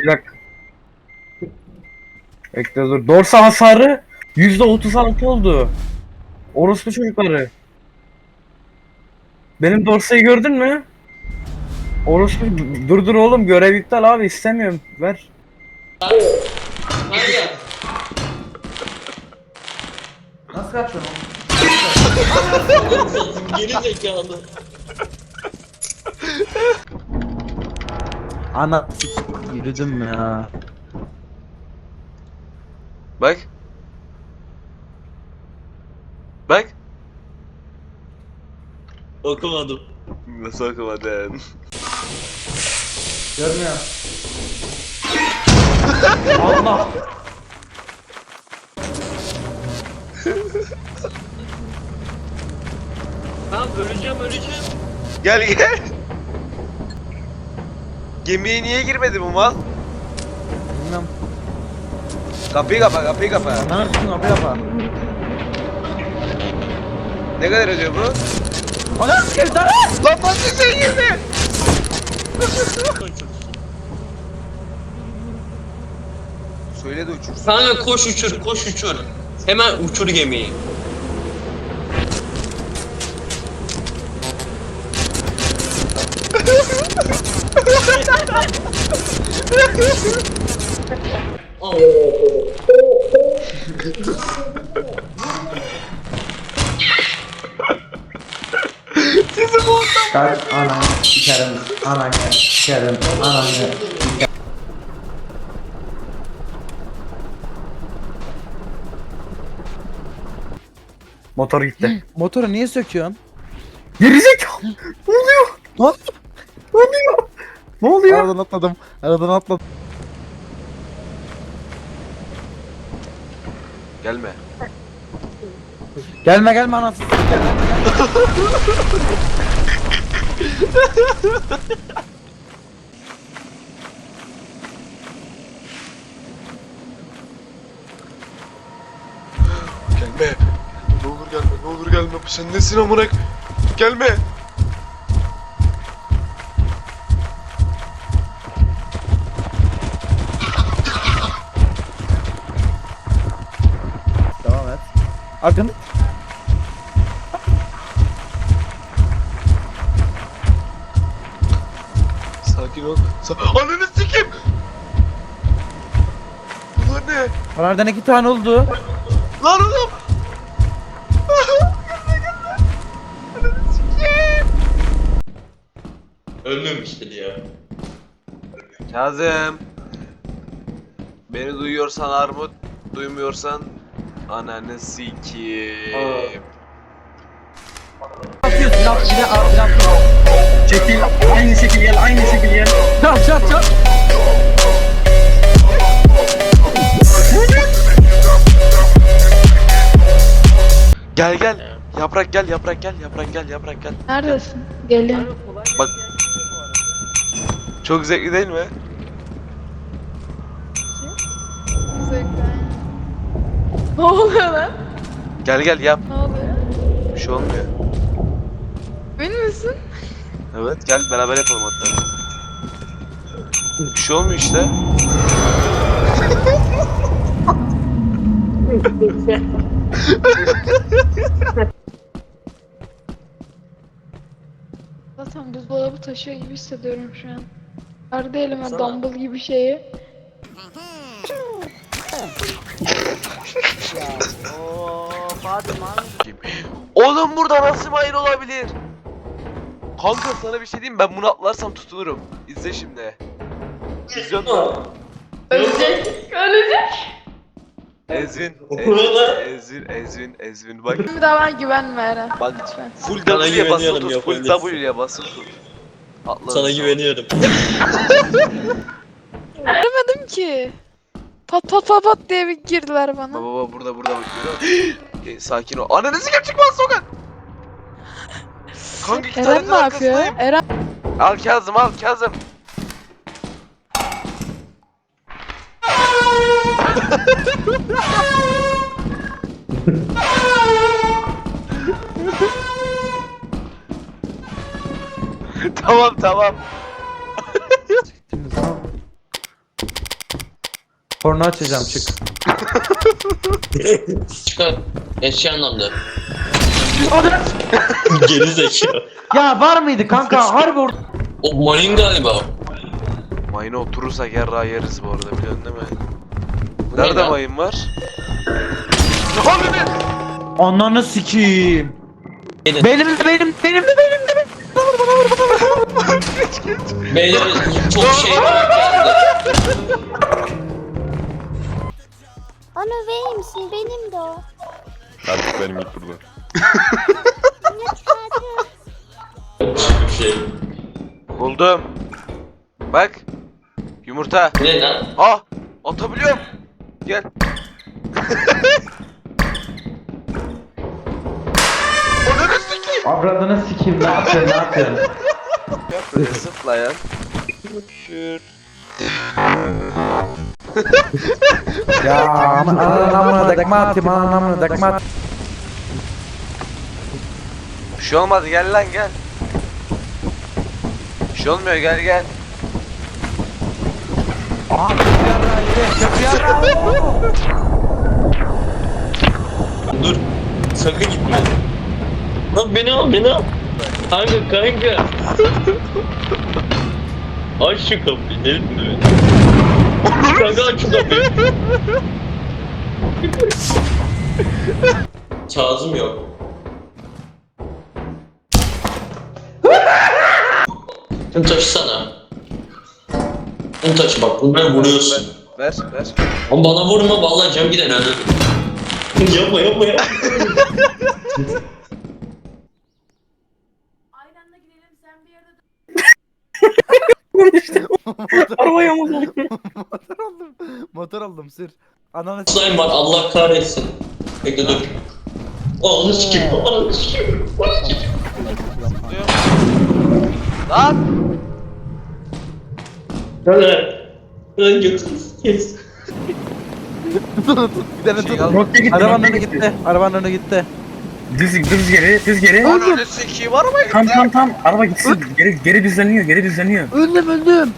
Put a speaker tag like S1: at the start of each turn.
S1: Bir dakika. Bekle dur. Dorsa hasarı %36 oldu. Orospu çocukları. Benim dorsayı gördün mü? Orospu dur oğlum, görev iptal abi, istemiyorum. Ver.
S2: Hayır.
S3: Nasıl kaçıyorsun oğlum?
S2: Geri zekalı.
S3: Ana yürüdüm ya.
S4: Bak. Bak.
S2: Okumadım.
S4: Nasıl okumadın?
S3: Görmüyor. Allah.
S2: Tamam öleceğim.
S4: Gel gel. Gemiye niye girmedi bu mal?
S3: Bilmem.
S4: Kapıyı kapa.
S3: Ne yapıyorsun abi yapa?
S4: Ne kadar ödüyor bu?
S3: Ana sikeyim sana!
S4: Lan başka şey girdi. Söyle de uçursun.
S2: Kanka koş uçur. Hemen uçur gemiyi.
S3: Kalk ananı sikerim, ananı sikerim, ananı.
S1: Motor gitti.
S3: Motoru niye söküyorsun?
S1: Gerizekalı. Ne oluyor?
S3: Lan!
S1: Ne oluyor? Ne oluyor?
S3: Aradan atladım.
S4: Gelme.
S3: Gelme anasını sikerim.
S4: Gelme. Ne olur gelme. Sen nesin amına? Gelme.
S3: Devam et. Akın.
S4: Sakin ol. Ananı sikeyim. Bunlar ne?
S3: Onlardan 2 tane oldu.
S4: Lan oğlum.
S2: Ölmemiştir ya.
S4: Kazım. Beni duyuyorsan armut, duymuyorsan ananı sikeyim.
S3: Atıyorsun silah.
S1: Çekil. Aynı şekil gel.
S3: Çat.
S4: Gel. Yaprak gel.
S5: Neredesin? Geliyorum.
S4: Bak. Çok zevkli değil mi?
S5: Zevkler. Ne oluyor lan?
S4: Gel yap.
S5: Ne oluyor?
S4: Bir şey olmuyor.
S5: Emin misin?
S4: Evet gel beraber yapalım hatta. Bir şey olmuyor işte.
S5: Zaten buzdolabı taşıyor gibi hissediyorum şu an. Verdi elime
S4: Sana.
S5: dumbbell gibi şeyi.
S4: Oğlum burada nasıl mayın olabilir? Kanka sana bir şey diyeyim mi? Ben bunu atlarsam tutunurum. İzle şimdi. İzliyor musun?
S5: Ölecek.
S4: Ezvin bak.
S5: Bir daha bana güvenme Eren.
S4: Bak
S5: Lütfen.
S4: full
S2: Sana
S4: W'ye basılı
S2: güveniyorum,
S4: tut. Full
S2: yapabilirsin.
S4: W'ye basılı tut. Atla.
S2: Sana güveniyorum.
S5: Göremedim ki. Pat diye bir girdiler bana.
S4: Baba burada bak görüyor musun? Sakin ol. Ananı sikeyim çıkmaz sokak. Kanka iki
S5: Eren ne
S4: tane
S5: yapıyor?
S4: arkasındayım.
S5: Eren
S4: Al Kazım. tamam.
S3: Şimdi sana Porno açacağım çık.
S2: Çıkar. Eşya anlamda. Geri zekalı.
S3: Ya var mıydı kanka? Harbi orada.
S2: O mayın galiba.
S4: Mayına oturursak yarrağı yeriz bu arada, biliyorsun değil mi?
S2: Bu ne
S4: Nerede
S2: lan?
S4: mayın var? Abi be!
S3: Ananı sikeyim.
S2: Benim.
S3: Benim.
S2: Beyler çok şey var geldi.
S6: Onu verir misin? Benim de o.
S7: Artık benim ilk burada.
S2: Bir şey.
S4: Buldum. Bak. Yumurta.
S2: Ne lan?
S4: Ah! Atabiliyorum. Gel. Ananı sikeyim.
S3: Avradını sikeyim. Ne yapıyorsun?
S4: Yap böyle zıpla ya.
S3: Ya anamına dakma atayım. Anamına dakma at.
S4: Bir şey olmadı, gel lan gel. Bir şey olmuyor, gel gel.
S2: Dur. Sakın gitme. Lan beni al, beni al. Kanka. Aç şu kapıyı, delirtme beni. Kanka aç şu kapıyı. Kazım yok. Şunu taşısana. Şunu taşı bak, bunları vuruyorsun.
S4: Ver.
S2: Ama bana vurma, vallahi cam gider hadi. yapma.
S1: Arabaya mı oldu?
S3: Motor aldım sür. Ananı
S2: Slime var, Allah kahretsin. Bekle dur. Ananı sikeyim.
S4: Lan!
S2: Lan götür kes.
S3: Bir tane tut.
S1: Nokta gitti.
S3: Arabanın
S1: nokta
S3: önü gitti. Arabanın önü gitti.
S1: Düz geri.
S4: Ananı sikeyim, arabaya gitti.
S1: Tam. Araba gitsin. Geri düzleniyor.
S3: Öldüm.